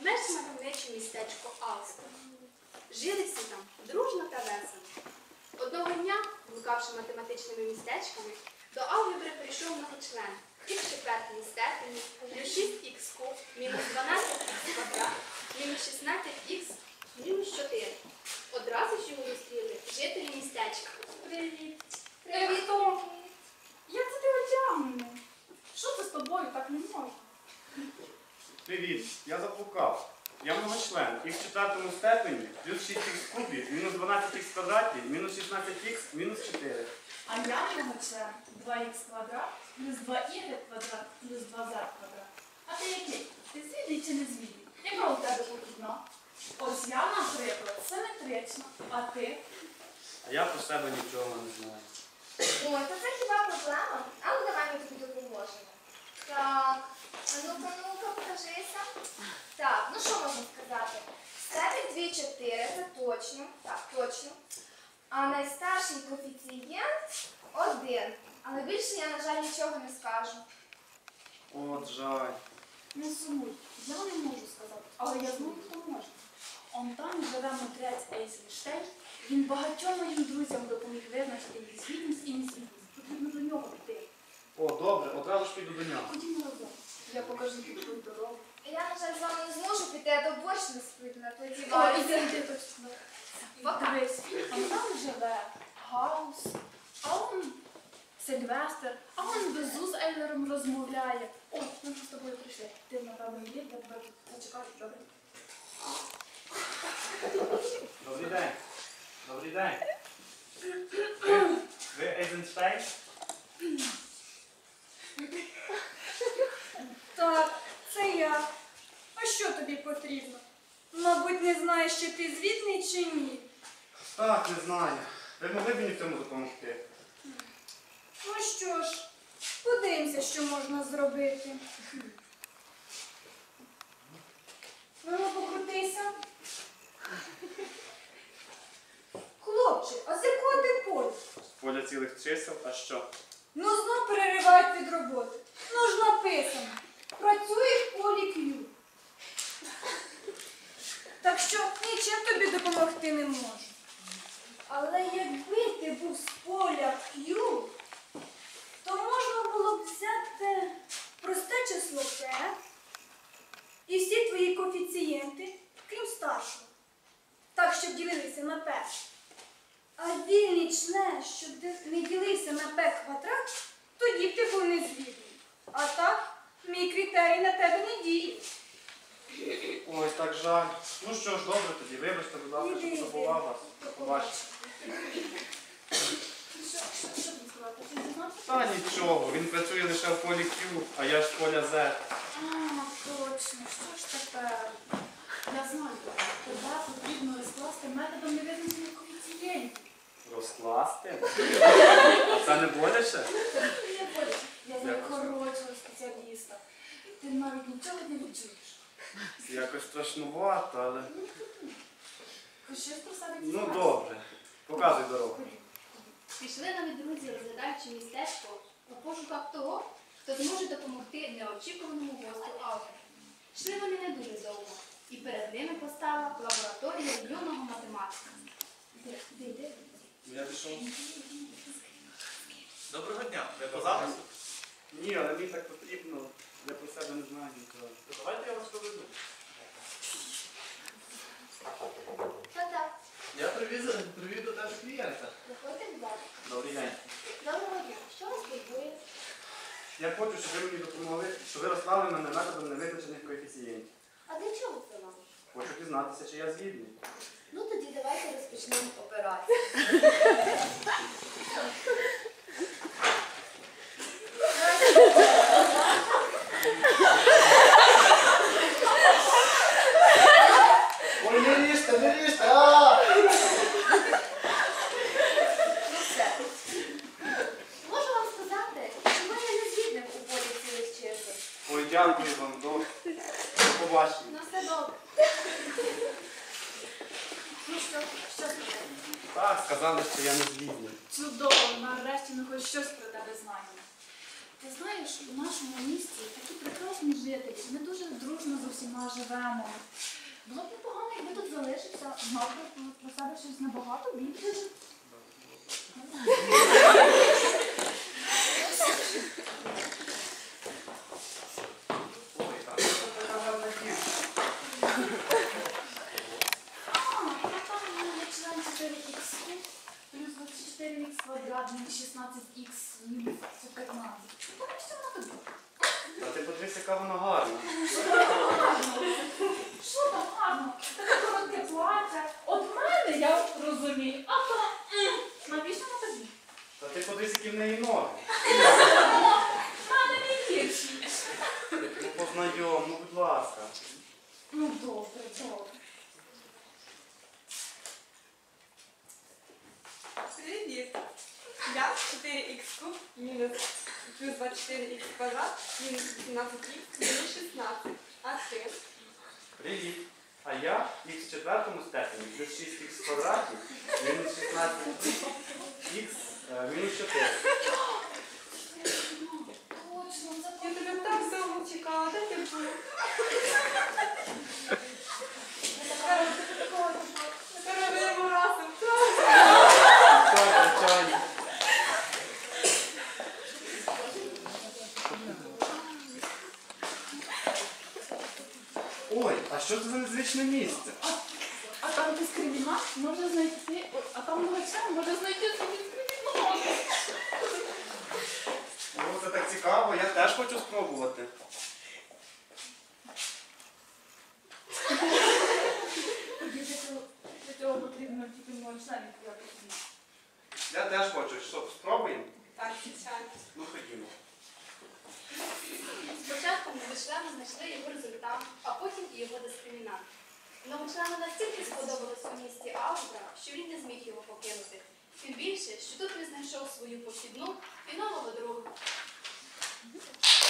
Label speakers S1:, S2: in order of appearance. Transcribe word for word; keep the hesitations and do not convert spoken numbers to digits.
S1: менш мальовниче містечко Алста. Жили всі там дружно та весело. Одного дня, блукавши математичними містечками, до алгебри прийшов многочлен. Х в четвертій степені плюс шість х куб мінус дванадцять х квадрат мінус шістнадцять х мінус чотири. Одразу ж його зустріли жителі містечка.
S2: Привіт. Привіт, Том. Як це ти одягнений? Що це з тобою так не можна?
S3: Привіт, я заблукав. Я многочлен. Х в четвертому степені плюс шість х кубі мінус дванадцять х квадраті мінус шістнадцять х мінус чотири.
S2: А я многочлен два х квадрат плюс два y квадрат плюс два з квадрат. А ти який? Ти звідний чи не звідний? Яка у тебе похідна? Ось я, наприклад, симетрична. А ти?
S3: А я про себе нічого не знаю.
S4: Ой, то це хіба проблема? А ну давай ми тобі допоможемо. Так, а ну-ка, ну-ка, покажися. Так, ну що можна сказати? Степень дві чотири, це точно. Так, точно. А найстарший коефіцієнт один. Але більше я, на жаль, нічого не скажу.
S3: От жаль.
S2: Не сумуй. Я не можу сказати, але я знаю, хто може. Он там живе мудрець Ейзенштейн. Він багатьом моїм друзям допоміг визначити їх звітність і незвітність. Потрібно до нього піти.
S3: О, добре, одразу ж піду до нього.
S2: Ходімо разом. Я покажу тобі твою дорогу.
S4: Я, на жаль, з вами не зможу піти, а то борщ не спитна, тоді
S2: О,
S4: вам.
S2: іди, іди, точно. Дивись, а там живе Гаус, а он Сильвестр, а он Безу з Ейлером розмовляє. О, ми з тобою прийшли. Ти, напевно, є, я тебе зачекаю, добре?
S3: Добрий день. Добрий день. Ви, ви Ейзенштейн?
S5: Так, це я. А що тобі потрібно? Мабуть, не знаєш, чи ти звітний, чи ні.
S3: Так, не знаю. Ви могли б мені в цьому допомогти?
S5: Ну що ж, подивимося, що можна зробити. Ну, покрутися. Хлопче, а з якого ти поля?
S3: Поля цілих чисел, а що?
S5: Ну, знов переривають від роботи. Ну ж написано. Працює в полі Q. Так що нічим тобі допомогти не можу. Але якби ти був з поля Q, то можна було б взяти просте число P і всі твої коефіцієнти, крім старшого. Так, щоб ділилися на P. А вільний член, що не ділився на P квадрат, тоді б ти був незвідний. А так, мій критерій на тебе не діє.
S3: Ой, так жаль. Ну що ж, добре тоді. Вибачте, будь ласка,
S5: Іди,
S3: що
S5: іди.
S3: забував вас. До побачення.
S2: Що, що, що тобі сказати? Ти дізнався?
S3: Та нічого, він працює лише в полі Q, а я ж з поля Z.
S2: А, точно. Що ж тепер? Я знаю, тебе потрібно розкласти методом невизначених коефіцієнтів.
S3: Розкласти? А це не боляче?
S2: Не боляче. Я знаю
S3: Дякую.
S2: хорошого спеціаліста. Ти навіть нічого не відчуєш.
S3: Якось страшнувато, але...
S2: Хоч щось про себе
S3: Ну
S2: дізнався.
S3: добре. Показуй дорогу.
S1: Пішли навіть друзі, розглядаючи містечко у пошуках того, хто зможе допомогти неочікуваному гостю алгебри. Йшли вони не дуже довго, і перед ними постала лабораторія юного математика. Де, де, де?
S3: Я пішов.
S6: Доброго дня. Ви по запису?
S3: Ні, але мені так потрібно. Я про себе не знаю нічого.
S6: То давайте я вас проведу.
S4: Та-так,
S6: Я привіз, привів до тебе клієнта.
S4: виходьте, будь ласка.
S3: Добрий день.
S4: Доброго дня. Що вас турбує?
S3: Я хочу, щоб ви мені допомогли, щоб ви розклали мене методом невизначених коефіцієнтів.
S4: А для чого це вам?
S3: Хочу дізнатися, чи я звідний.
S4: Ну тоді давайте розпочнемо операцію.
S6: Ой, не ріжте, не ріжте! А!
S4: Ну все. Можу вам сказати, що ви є незвідним у полі цілих чисел.
S3: Ой, дякую вам. До, до побачення.
S4: Ну все добре. Ну що, що сказати?
S3: Так, сказали, що я не звідний.
S2: Чудово, нарешті ми хоч щось про тебе знаємо. Ти знаєш, у нашому місті такі прекрасні жителі. Ми дуже дружно з усіма живемо. Було б непогано, якби тут залишився, знав би про себе щось набагато більше.
S3: Ой, а що це така гарна дівчина?
S2: А, там у мене член чотири ікс плюс двадцять чотири ікс квадрат мінус шістнадцять ікс мінус п'ятнадцять. Ну, так що вона тобі?
S3: А ти подивись, яка вона гарна.
S2: Що там гарно? Таке коротке плаття. От мене я розумію, а то м, навіщо на тобі?
S3: Та ти подивись, які в неї ноги.
S2: В мене не гірші.
S3: Ну познайом, ну будь ласка.
S2: Ну добре, добре.
S7: Привіт! Я чотири ікс куб мінус плюс двадцять чотири ікс квадрат мінус вісімнадцять ікс мінус шістнадцять. А ти?
S3: Привіт. А я х в четвертому степені плюс шість ікс в квадраті мінус шістнадцять ікс мінус чотири.
S2: Точно, це
S7: Я тебе так довго чекала, де ти був? Тепер робимо разом.
S3: Так, звичайно. Ой, а що це за незвичне місце?
S2: А там дискримінат може знайти, ой, а там лише може знайти собі дискримінат.
S3: Ну, це так цікаво, я теж хочу спробувати.
S2: Тоді для цього, для цього потрібно тільки мого членів якось.
S3: Я теж хочу. Що, спробуємо?
S7: Так, звичайно.
S3: Ну, ходімо.
S1: Спочатку новочлени знайшли його результат, а потім і його дискримінант. Новочлену настільки сподобалось у місті алгебра, що він не зміг його покинути. Тим більше, що тут він знайшов свою похідну і нового друга.